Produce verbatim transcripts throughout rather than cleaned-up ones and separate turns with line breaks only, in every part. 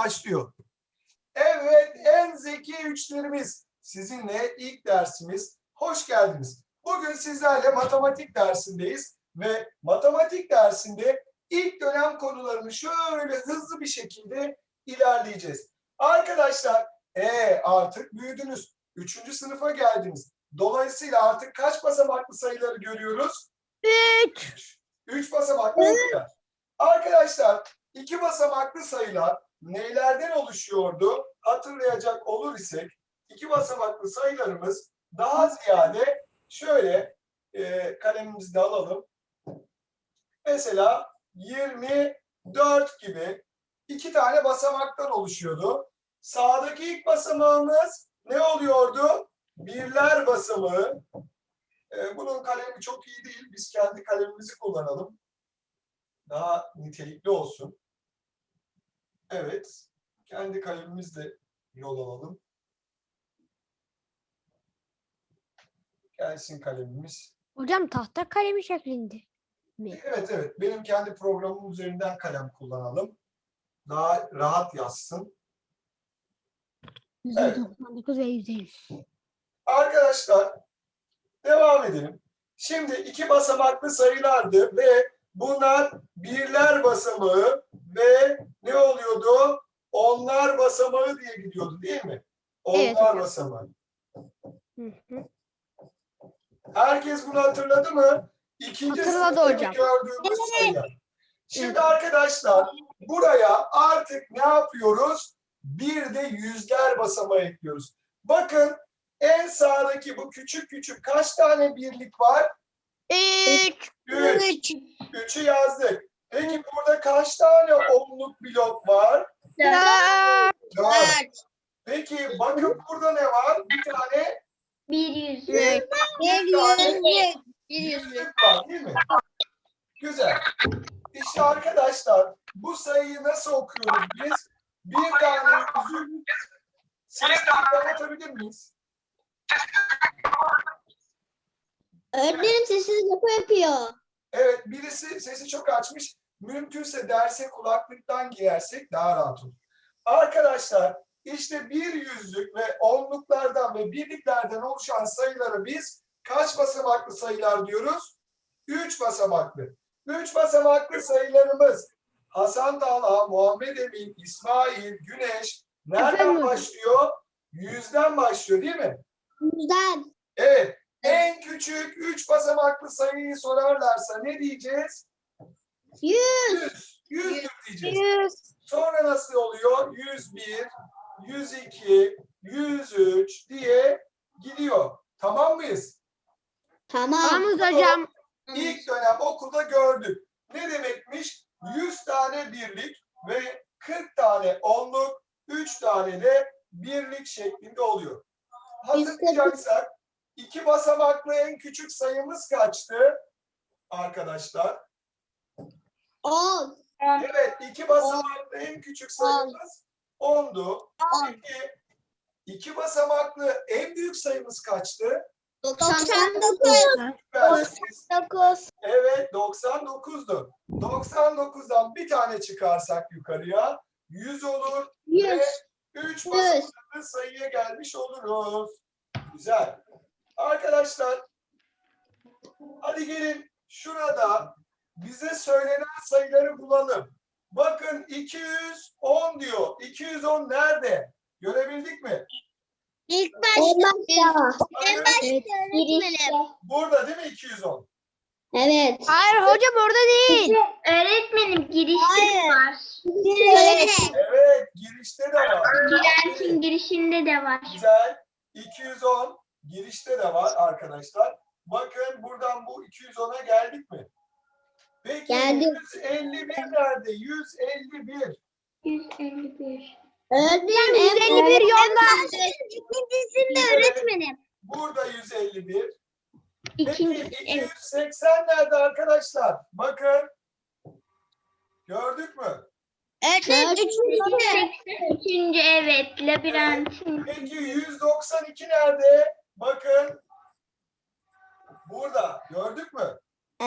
başlıyor. Evet, en zeki üçlerimiz. Sizinle ilk dersimiz. Hoş geldiniz. Bugün sizlerle matematik dersindeyiz ve matematik dersinde ilk dönem konularını şöyle hızlı bir şekilde ilerleyeceğiz. Arkadaşlar, e, artık büyüdünüz. Üçüncü sınıfa geldiniz. Dolayısıyla artık kaç basamaklı sayıları görüyoruz? Üç. Üç basamaklı sayılar. Arkadaşlar, iki basamaklı sayılar nelerden oluşuyordu? Hatırlayacak olur isek, iki basamaklı sayılarımız daha ziyade şöyle e, kalemimizi de alalım. Mesela yirmi dört gibi iki tane basamaktan oluşuyordu. Sağdaki ilk basamağımız ne oluyordu? Birler basamağı. E, bunun kalemi çok iyi değil. Biz kendi kalemimizi kullanalım. Daha nitelikli olsun. Evet. Kendi kalemimizle yol alalım. Gelsin kalemimiz.
Hocam tahta kalemi şeklinde mi?
Evet evet. Benim kendi programım üzerinden kalem kullanalım. Daha rahat yazsın.
yüzde doksan dokuz ve yüzde yüz.
Arkadaşlar devam edelim. Şimdi iki basamaklı sayılardı ve bunlar birler basamağı ve ne oluyordu? Onlar basamağı diye gidiyordu değil mi? Onlar
Evet.
basamağı.
Hı hı.
Herkes bunu hatırladı mı? İkinci
Hatırladı
sınıftaki
hocam.
gördüğümüz sayılar. Şimdi
Evet.
arkadaşlar buraya artık ne yapıyoruz? Bir de yüzler basamağı ekliyoruz. Bakın en sağdaki bu küçük küçük kaç tane birlik var?
Üç.
Üç. Üçü yazdık. Peki burada kaç tane onluk blok var?
Dört.
Dört. Peki bakın burada ne var? Bir tane
Bir yüzlük.
bir tane
Bir
yüzlük var değil mi? Güzel. İşte arkadaşlar bu sayıyı nasıl okuyoruz biz? Bir tane yüzük. Sesini kapatabilir miyiz?
Öğretmenim sessiz yapı yapıyor.
Evet, birisi sesi çok açmış. Mümkünse derse kulaklıktan giyersek daha rahat olur. Arkadaşlar işte bir yüzlük ve onluklardan ve birliklerden oluşan sayıları biz kaç basamaklı sayılar diyoruz? Üç basamaklı. Üç basamaklı sayılarımız Hasan Talha, Muhammed Emin, İsmail, Güneş nereden
Efendim?
başlıyor? Yüzden başlıyor değil mi?
Yüzden.
Evet. En küçük üç basamaklı sayıyı sorarlarsa ne diyeceğiz?
Yüz.
Yüz. Yüzdür diyeceğiz.
Yüz.
Sonra nasıl oluyor? Yüz bir, yüz iki, yüz üç diye gidiyor. Tamam mıyız?
Tamam.
Tamamız hocam.
İlk dönem okulda gördük. Ne demekmiş? yüz tane birlik ve kırk tane onluk, üç tane de birlik şeklinde oluyor. Hatırlayacaksak iki basamaklı en küçük sayımız kaçtı arkadaşlar?
On.
Evet, iki basamaklı en küçük sayımız ondu. Peki iki basamaklı en büyük sayımız kaçtı?
Doksan dokuz.
Süpersiniz.
Dokuz.
Evet, doksan dokuzdu. doksan dokuzdan bir tane çıkarsak yukarıya yüz olur ve
Yüz.
üç
Yüz.
basamaklı sayıya gelmiş oluruz. Güzel. Arkadaşlar, hadi gelin şurada bize söylenen sayıları bulalım. Bakın iki yüz on diyor. iki yüz on nerede? Görebildik mi?
İlk başta.
Bakın,
Girişte.
burada değil mi iki yüz on?
Evet.
Hayır hocam orada değil.
Öğretmenim girişte var.
Evet.
Evet, girişte de var.
Girentin girişinde de var.
Güzel. iki yüz on girişte de var arkadaşlar. Bakın buradan bu iki yüz ona geldik mi? Peki
Geldik.
yüz elli bir nerede? yüz elli bir.
yüz elli bir.
Öğretmenim.
yüz elli bir yolda.
İkincisinde öğretmenim.
Burada yüz elli bir. Peki
İkinci.
iki
Evet.
yüz seksen nerede arkadaşlar? Bakın. Gördük mü?
Öğretmenim. Üçüncü.
Üçüncü evet. Labirentin.
Peki yüz doksan iki nerede? Bakın. Burada. Gördük mü?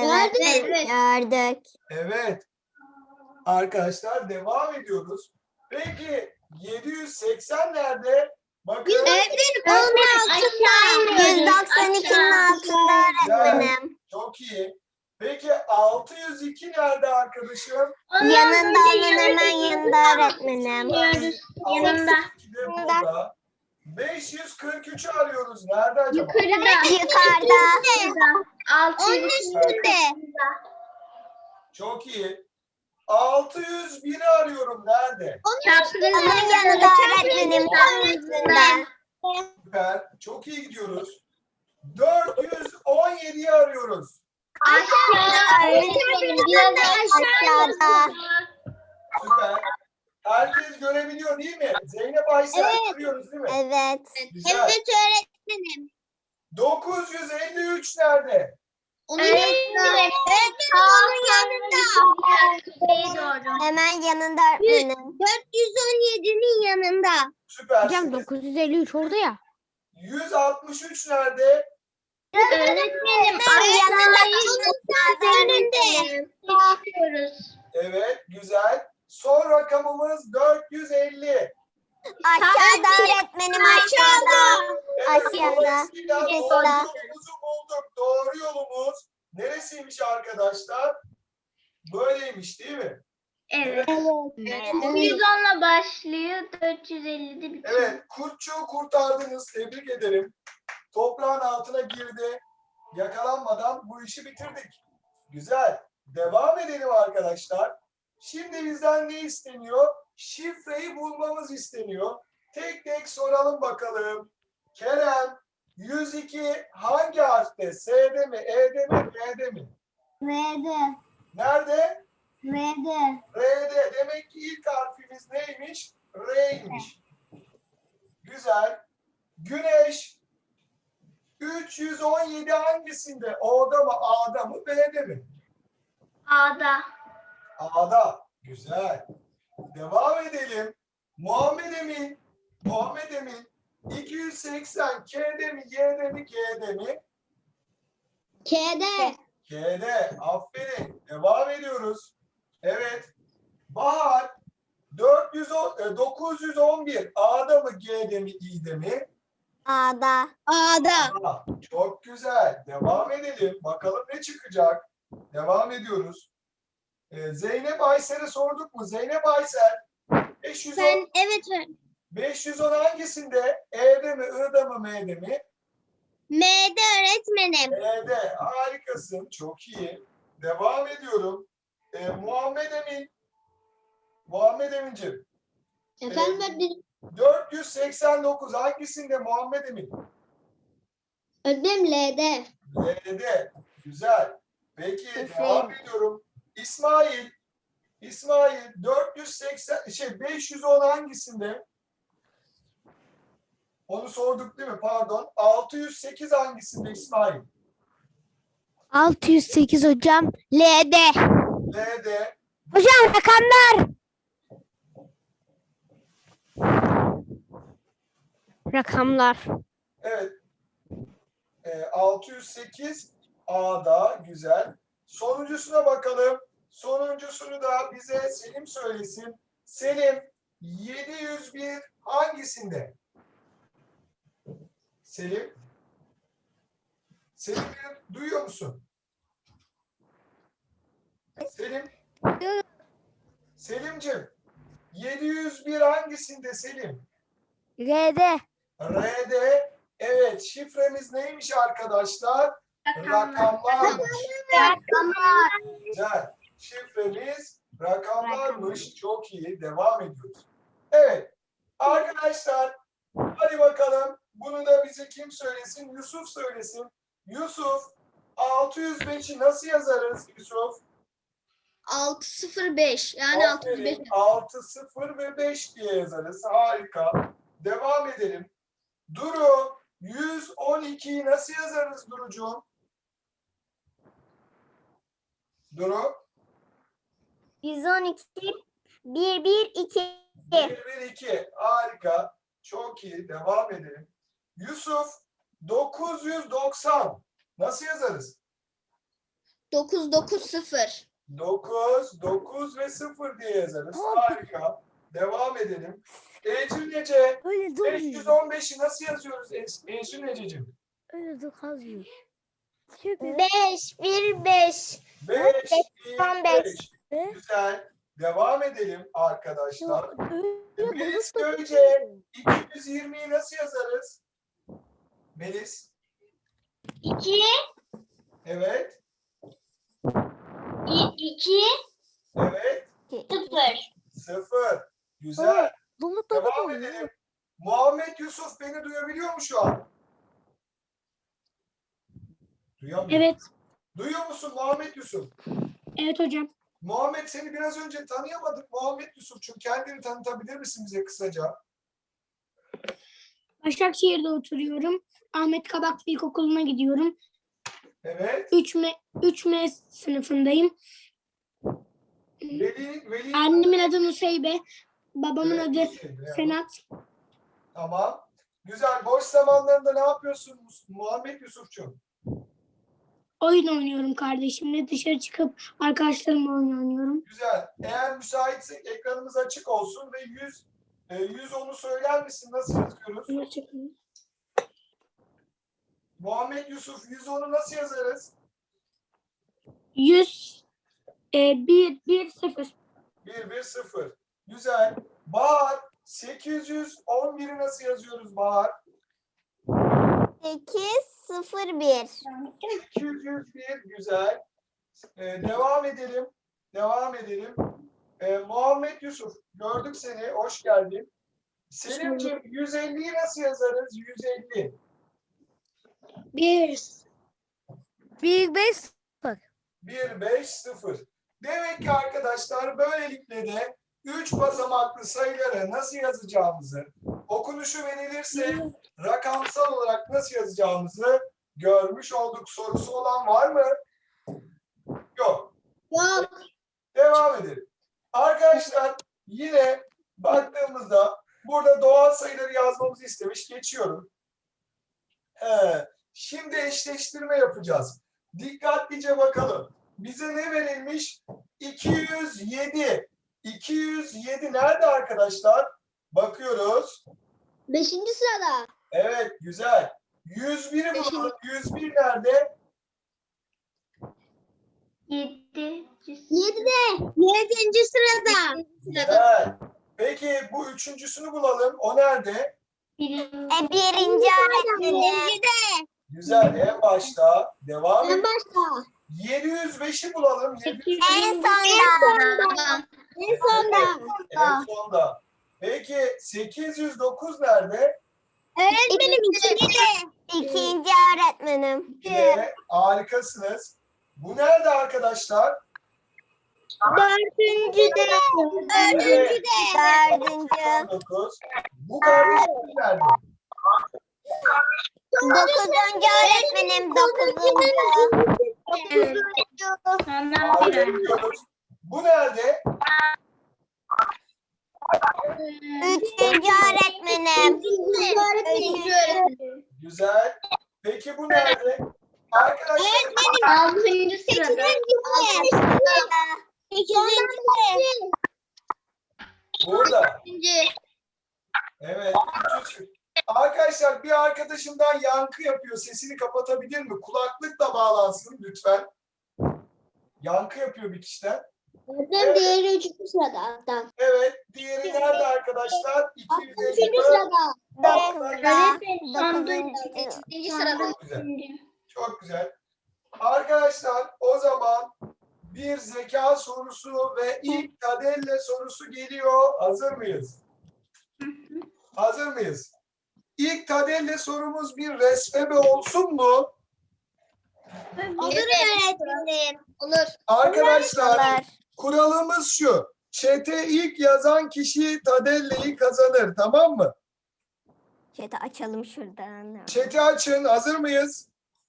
Evet. Gördük.
Evet. Arkadaşlar devam ediyoruz. Peki yedi yüz seksen nerede? Bakın.
Öğretmenim
Aşağı
yüz doksan ikinin altında öğretmenim.
Çok iyi. Peki altı yüz iki nerede arkadaşım?
Yanında onun hemen yanında öğretmenim.
Yanında.
altı yüz iki de burada. beş yüz kırk üçü arıyoruz. Nerede acaba?
Yukarıda.
Yukarıda.
Altı
Onun üstünde.
Çok iyi. altı yüz biri arıyorum. Nerede?
Onun yanında öğretmenim. Tam üstünde.
Süper. Çok iyi gidiyoruz. dört yüz on yediyi arıyoruz.
Aşağı.
Öğretmenim biraz aşağıda.
Süper. Herkes görebiliyor değil mi? Zeynep Aysel
Evet.
görüyoruz değil mi?
Evet.
Güzel.
Evet öğretmenim.
dokuz yüz elli üç nerede?
Onun
Evet.
yanında. Öğretmenim onun yanında.
Kuzeye doğru.
Hemen yanında öğretmenim. dört yüz on yedinin yanında.
Süper.
Hocam dokuz yüz elli üç orada ya.
yüz altmış üç nerede?
Öğretmenim
yanında.
aşağıya
Onun önünde.
çıkıyoruz.
Evet, güzel. Son rakamımız dört yüz elli.
Aşağıda öğretmenim aşağıda.
Evet,
Aşağıda.
dolayısıyla doğru
Aşağıda.
yolumuzu bulduk. Doğru yolumuz neresiymiş arkadaşlar? Böyleymiş değil mi?
Evet.
Evet.
yüz onla başlıyor, dört yüz ellide bitiyor.
Evet, kurtçuğu kurtardınız. Tebrik ederim. Toprağın altına girdi. Yakalanmadan bu işi bitirdik. Güzel. Devam edelim arkadaşlar. Şimdi bizden ne isteniyor? Şifreyi bulmamız isteniyor. Tek tek soralım bakalım. Kerem, yüz iki hangi harfte? S'de mi, E'de mi, B'de mi?
V'de.
Nerede?
V'de.
R'de. Demek ki ilk harfimiz neymiş? R'ymiş. Güzel. Güneş, üç yüz on yedi hangisinde? O'da mı, A'da mı, B'de mi?
A'da.
A'da. Güzel. Devam edelim. Muhammed Emin. Muhammed Emin. iki yüz seksen K'de mi, Y'de mi, G'de mi?
K'de.
K'de. Aferin. Devam ediyoruz. Evet. Bahar. dört yüz on, e, dokuz yüz on bir A'da mı, G'de mi, İ'de mi?
A'da. A'da.
Aa, çok güzel. Devam edelim. Bakalım ne çıkacak. Devam ediyoruz. Ee, Zeynep Aysel'e sorduk mu? Zeynep Aysel beş yüz on,
Ben evet
beş yüz on hangisinde? E'de mi, I'da mı, M'de mi?
M'de öğretmenim.
E'de. Harikasın. Çok iyi. Devam ediyorum. Ee, Muhammed Emin. Muhammed Emin'ciğim.
Efendim öğretmenim.
dört yüz seksen dokuz hangisinde Muhammed Emin?
Öğretmenim L'de.
L'de. Güzel. Peki
Aferin.
devam ediyorum. İsmail. İsmail dört yüz seksen şey beş yüz on hangisinde? Onu sorduk değil mi? Pardon. altı yüz sekiz hangisinde İsmail?
altı yüz sekiz hocam. L'de.
L'de.
Hocam rakamlar. Rakamlar.
Evet. Ee, altı yüz sekiz A'da. Güzel. Sonuncusuna bakalım. Sonuncusunu da bize Selim söylesin. Selim yedi yüz bir hangisinde? Selim. Selim duyuyor musun? Selim. Selimciğim. yedi yüz bir hangisinde Selim?
R'de.
R'de. Evet, şifremiz neymiş arkadaşlar? Rakamlarmış.
Rakamlar.
Güzel. Şifremiz rakamlarmış. Çok iyi. Devam ediyoruz. Evet. Arkadaşlar hadi bakalım. Bunu da bize kim söylesin? Yusuf söylesin. Yusuf altı yüz beşi nasıl yazarız Yusuf?
altı sıfır beş yani altı yüz beş.
Aferin. altı, sıfır ve beş diye yazarız. Harika. Devam edelim. Duru yüz on ikiyi nasıl yazarız Durucuğum? Duru
yüz on iki bir bir iki.
bir, bir, iki. Harika. Çok iyi. Devam edelim. Yusuf dokuz yüz doksan nasıl yazarız?
dokuz dokuz sıfır.
dokuz, dokuz ve sıfır diye yazarız. Harika. Devam edelim. Ecrin Ece,
Öyle
beş yüz
durmuyor.
on beşi nasıl yazıyoruz Es- Ecrin Ececiğim?
Öyle dur kazıyor. Şöyle
beş, bir, beş.
beş,
on
bir,
beş.
beş.
be.
Güzel. Devam edelim arkadaşlar.
Öyle
Melis
balık da
Göce, iki yüz yirmiyi nasıl yazarız? Melis.
iki,
Evet.
iki,
Evet.
sıfır.
Sıfır. Güzel.
balık da
Devam
durmuyor.
edelim. Muhammed Yusuf beni duyabiliyor mu şu an? Duyamıyor.
Evet,
Duyuyor musun Muhammed Yusuf?
evet hocam.
Muhammed seni biraz önce tanıyamadık. Muhammed Yusuf'cum kendini tanıtabilir misin bize kısaca?
Başakşehir'de oturuyorum. Ahmet Kabaklı İlkokulu'na gidiyorum.
Evet.
üç M, üç M sınıfındayım.
Veli, Veli.
Annemin adı Nuseybe, babamın
Evet,
adı
Hüseyin, evet.
Senat.
Tamam. Güzel. Boş zamanlarında ne yapıyorsun Muhammed Yusuf'cum?
Oyun oynuyorum kardeşimle. Dışarı çıkıp arkadaşlarımla oyun oynuyorum.
Güzel. Eğer müsaitsek ekranımız açık olsun ve yüz, e, yüz onu söyler misin? Nasıl yazıyoruz?
Hoşçakalın.
Muhammed Yusuf yüz onu nasıl yazarız?
yüz, e, bir, bir, sıfır.
bir, bir, sıfır. Güzel. Bahar sekiz yüz on biri nasıl yazıyoruz Bahar?
sekiz, sıfır, bir.
sekiz yüz bir. Güzel. Ee, devam edelim. Devam edelim. Ee, Muhammed Yusuf gördük seni. Hoş geldin. Selimciğim yüz elliyi nasıl yazarız? yüz elli.
bir.
Bir beş sıfır.
bir, beş, sıfır. Demek ki arkadaşlar böylelikle de üç basamaklı sayıları nasıl yazacağımızı, okunuşu verilirse rakamsal olarak nasıl yazacağımızı görmüş olduk. Sorusu olan var mı? Yok.
Yok.
Devam edelim. Arkadaşlar yine baktığımızda burada doğal sayıları yazmamızı istemiş. Geçiyorum. He, şimdi eşleştirme yapacağız. Dikkatlice bakalım. Bize ne verilmiş? iki yüz yedi. iki yüz yedi nerede arkadaşlar? Bakıyoruz.
Beşinci sırada.
Evet, güzel. yüz biri bulalım. yüz bir nerede?
Yedi.
Yedide. Yedinci sırada.
Güzel. Peki bu üçüncüsünü bulalım. O nerede?
Birinci.
E, birinci öğretmenim. Yedide.
Güzel. En başta. Devam
En
edelim.
başta.
yedi yüz beşi bulalım. yedi yüz
En sonda. En sonda.
en sonda. Peki sekiz yüz dokuz nerede?
Öğretmenim ikinci. İkinci öğretmenim.
Yine harikasınız. Bu nerede arkadaşlar?
Dördüncü de. Dördüncü de. Dördüncü.
dokuz. Bu kardeşimiz nerede?
Dokuzuncu öğretmenim. Dokuzuncu. Dokuzuncu.
Sonra bir.
Harikıyoruz. Bu nerede?
Üçüncü öğretmenim. Üçüncü öğretmenim.
Güzel. Peki bu nerede? Arkadaşlar
Altıncı sırada.
Sekizinci.
burada.
Sekizinci.
Evet. üçüncü. Arkadaşlar bir arkadaşımdan yankı yapıyor. Sesini kapatabilir mi? Kulaklıkla bağlansın lütfen. Yankı yapıyor bir kişiden.
Öğretmenim diğeri üçüncü sırada hatta.
Evet. Diğeri nerede arkadaşlar? iki yüz elli.
Üçüncü sırada.
Öğretmenim sonda
Sekizinci sırada.
Çok güzel. Çok güzel. Arkadaşlar o zaman bir zeka sorusu ve ilk Tadelle sorusu geliyor. Hazır mıyız? Hazır mıyız? İlk Tadelle sorumuz bir resmebe olsun mu?
Olur öğretmenim. Olur.
Arkadaşlar kuralımız şu. Chat'e ilk yazan kişi Tadelle'yi kazanır. Tamam mı?
Chat'i açalım şuradan.
Chat'i açın. Hazır mıyız?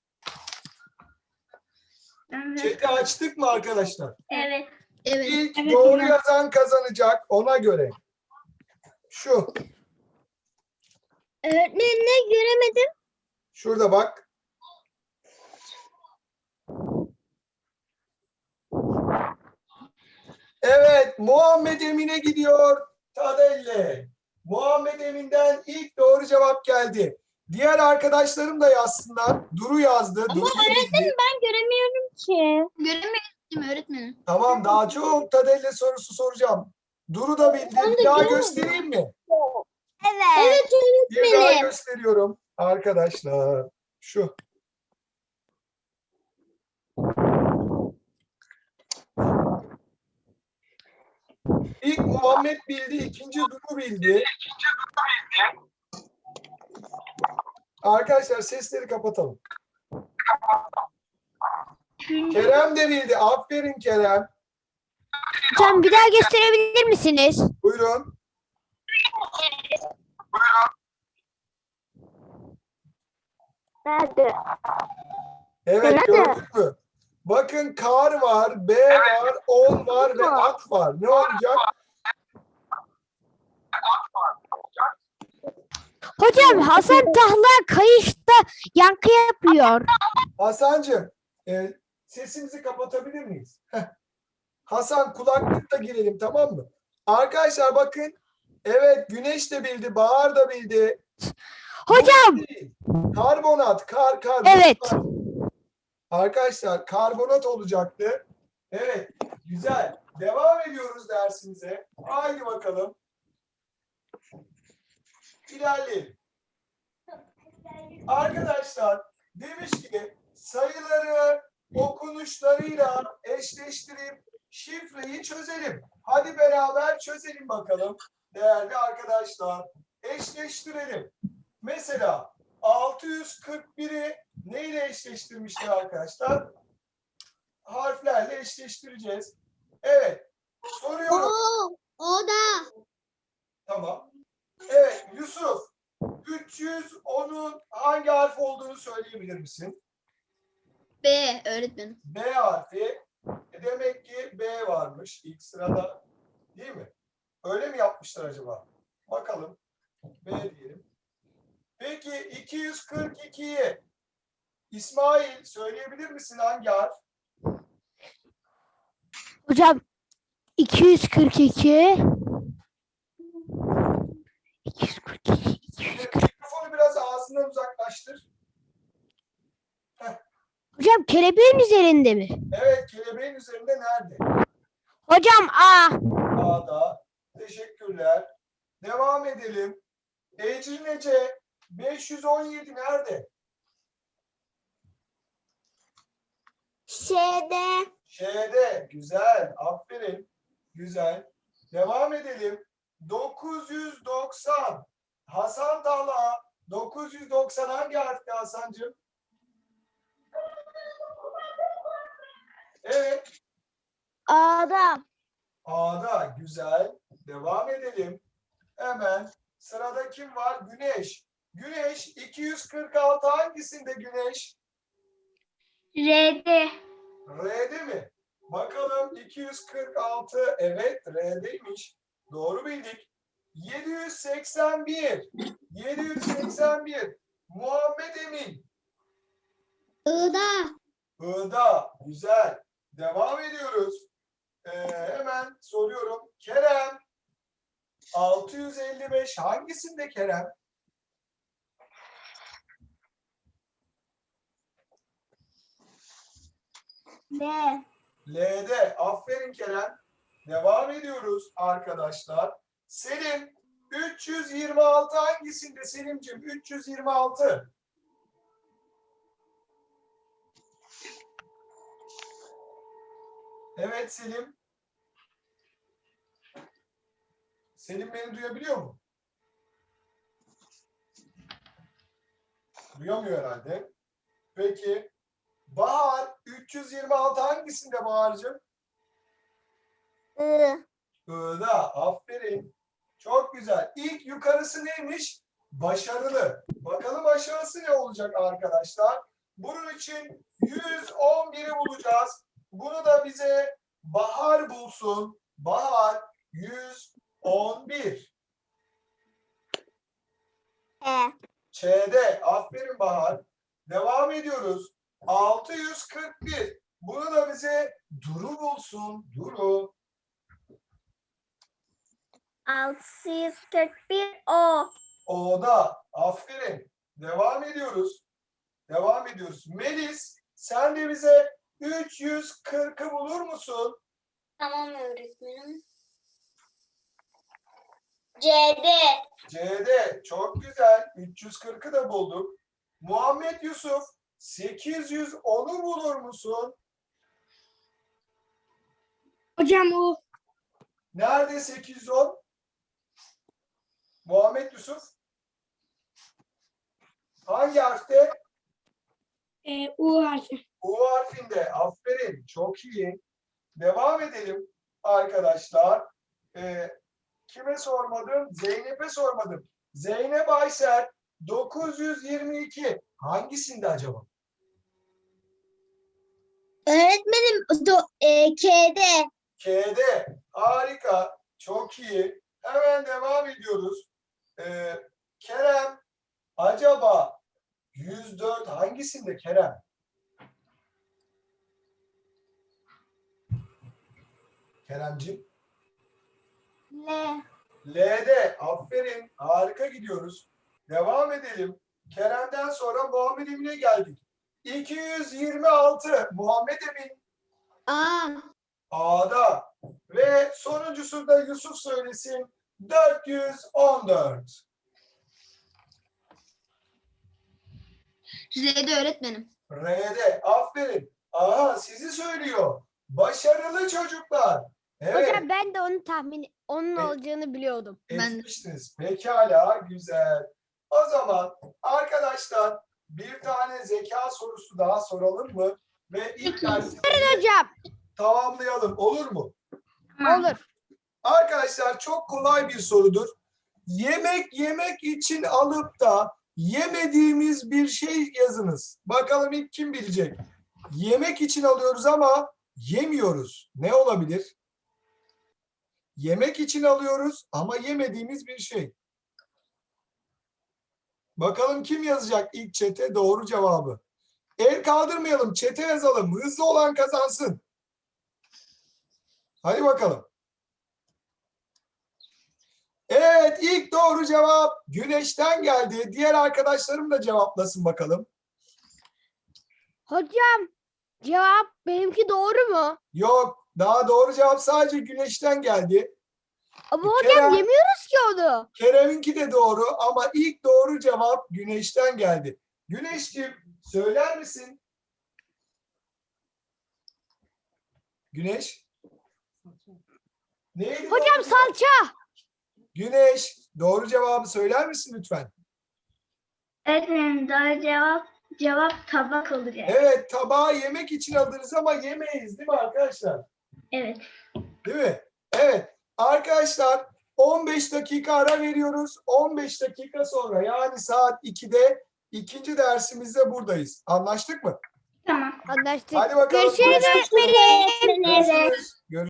Evet.
Chat'i açtık mı arkadaşlar?
Evet.
Evet.
İlk
Evet,
doğru
hocam.
yazan kazanacak. Ona göre. Şu.
Öğretmenim ne göremedim?
Şurada bak. Evet. Muhammed Emin'e gidiyor. Tadelle. Muhammed Emin'den ilk doğru cevap geldi. Diğer arkadaşlarım da yazsınlar. Duru yazdı. Duru bildi.
Ben göremiyorum ki.
Göremiyorum öğretmenim.
Tamam, daha çok Tadelle sorusu soracağım. Duru da bildi. Bir daha göstereyim mi?
Evet.
Bir daha gösteriyorum arkadaşlar. Şu. İlk Muhammed bildi, ikinci Duru bildi. Arkadaşlar sesleri kapatalım. Kerem de bildi. Aferin Kerem.
Hocam bir daha gösterebilir misiniz?
Buyurun.
Nerede?
Evet,
Nerede?
gördük mü? Bakın kar var, B var, on var ve at var. Ne olacak?
Hocam Hasan Tahla kayışta yankı yapıyor.
Hasancığım, e, sesimizi kapatabilir miyiz? Heh. Hasan, kulaklıkla girelim, tamam mı? Arkadaşlar bakın. Evet, Güneş de bildi, Bahar da bildi.
Hocam.
Bu değil. Karbonat, kar, kar.
Evet.
Kar. Arkadaşlar karbonat olacaktı. Evet, güzel. Devam ediyoruz dersimize. Haydi bakalım. İlerleyelim. Arkadaşlar demiş ki sayıları okunuşlarıyla eşleştirip şifreyi çözelim. Hadi beraber çözelim bakalım değerli arkadaşlar. Eşleştirelim. Mesela altı yüz kırk biri neyle eşleştirmişler arkadaşlar? Harflerle eşleştireceğiz. Evet. Soruyorum.
O da.
Tamam. Evet Yusuf. üç yüz onun hangi harf olduğunu söyleyebilir misin?
B öğretmenim.
B harfi. E demek ki B varmış ilk sırada. Değil mi? Öyle mi yapmışlar acaba? Bakalım. B diyelim. Peki iki yüz kırk ikiyi İsmail söyleyebilir misin hangi harf?
Hocam iki yüz kırk iki. iki yüz kırk iki. iki yüz kırk iki.
Mikrofonu biraz ağzından uzaklaştır.
Hocam kelebeğin üzerinde mi?
Evet, kelebeğin üzerinde nerede?
Hocam A.
A'da. Teşekkürler. Devam edelim. Ecrin Ece beş yüz on yedi nerede?
Şeyde.
Şeyde. Güzel. Aferin. Güzel. Devam edelim. dokuz yüz doksan. Hasan Talha. dokuz yüz doksan hangi harfti Hasancığım? Evet.
A'da.
A'da. Güzel. Devam edelim. Hemen sırada kim var? Güneş. Güneş iki yüz kırk altı hangisinde Güneş?
R'de.
R'de mi? Bakalım iki yüz kırk altı. Evet R'deymiş. Doğru bildik. yedi yüz seksen bir. yedi yüz seksen bir. Muhammed Emin.
I'da.
I'da. Güzel. Devam ediyoruz. Ee, hemen soruyorum. Kerem. altı yüz elli beş hangisinde Kerem?
B.
L'de. Aferin Kerem. Devam ediyoruz arkadaşlar. Selim üç yüz yirmi altı hangisinde Selimciğim? üç yüz yirmi altı. Evet Selim. Selim beni duyabiliyor mu? Duyamıyor herhalde. Peki. Bahar üç yüz yirmi altı hangisinde Bahar'cığım?
I.
I'da. Aferin. Çok güzel. İlk yukarısı neymiş? Başarılı. Bakalım aşağısı ne olacak arkadaşlar? Bunun için yüz on biri bulacağız. Bunu da bize Bahar bulsun. Bahar yüz on bir.
E.
Ç'de. Aferin Bahar. Devam ediyoruz. altı yüz kırk bir. Bunu da bize Duru bulsun. Duru.
altı yüz kırk bir O.
O'da. Aferin. Devam ediyoruz. Devam ediyoruz. Melis, sen de bize üç yüz kırkı bulur musun?
Tamam öğretmenim. C'de.
C'de. Çok güzel. üç yüz kırkı da bulduk. Muhammed Yusuf, sekiz yüz onu bulur musun?
Hocam o
Nerede sekiz yüz on? Muhammed Yusuf. Hangi harfte?
e, U harfi.
U harfinde. Aferin. Çok iyi. Devam edelim arkadaşlar. Ee, kime sormadım? Zeynep'e sormadım. Zeynep Aysel dokuz yüz yirmi iki. Hangisinde acaba?
Öğretmenim do, e, K'de.
K'de. Harika. Çok iyi. Hemen devam ediyoruz. Ee, Kerem acaba yüz dört hangisinde Kerem? Keremciğim.
L.
L'de. Aferin. Harika gidiyoruz. Devam edelim. Kerem'den sonra Muhammed Emin'e geldik. iki yüz yirmi altı. Muhammed Emin
A.
A'da. Ve sonuncusu da Yusuf söylesin. dört yüz on dört.
R'de öğretmenim.
R'de. Aferin. Aha sizi söylüyor. Başarılı çocuklar. Evet.
Hocam ben de onu tahmin onun
E-
olacağını biliyordum.
Etmiştiniz. Pekala, güzel. O zaman arkadaşlar bir tane zeka sorusu daha soralım mı? Ve ilk dersimizi
Hocam
tamamlayalım. Olur mu?
olur.
Arkadaşlar çok kolay bir sorudur. Yemek yemek için alıp da yemediğimiz bir şey yazınız. Bakalım ilk kim bilecek? Yemek için alıyoruz ama yemiyoruz. Ne olabilir? Yemek için alıyoruz ama yemediğimiz bir şey. Bakalım kim yazacak ilk çete doğru cevabı. El kaldırmayalım, çete yazalım. Hızlı olan kazansın. Hadi bakalım. Evet, ilk doğru cevap Güneş'ten geldi. Diğer arkadaşlarım da cevaplasın bakalım.
Hocam cevap benimki doğru mu?
Yok, daha doğru cevap sadece Güneş'ten geldi.
Ama
Bir
hocam
kere-
yemiyoruz ki onu.
Kerem'inki de doğru ama ilk doğru cevap Güneş'ten geldi. Güneşciğim söyler misin? Güneş? Neydi
Hocam
doğru cevap?
salça.
Güneş, doğru cevabı söyler misin lütfen?
Öğretmenim doğru cevap cevap tabak olacak.
Evet, tabağı yemek için alırız ama yemeyiz değil mi arkadaşlar?
Evet.
Değil mi? Evet. Arkadaşlar on beş dakika ara veriyoruz. on beş dakika sonra yani saat ikide ikinci dersimizde buradayız. Anlaştık mı?
Tamam.
Anlaştık.
Hadi bakalım.
Görüşürüz öğretmenim.
Görüşürüz. Görüşürüz.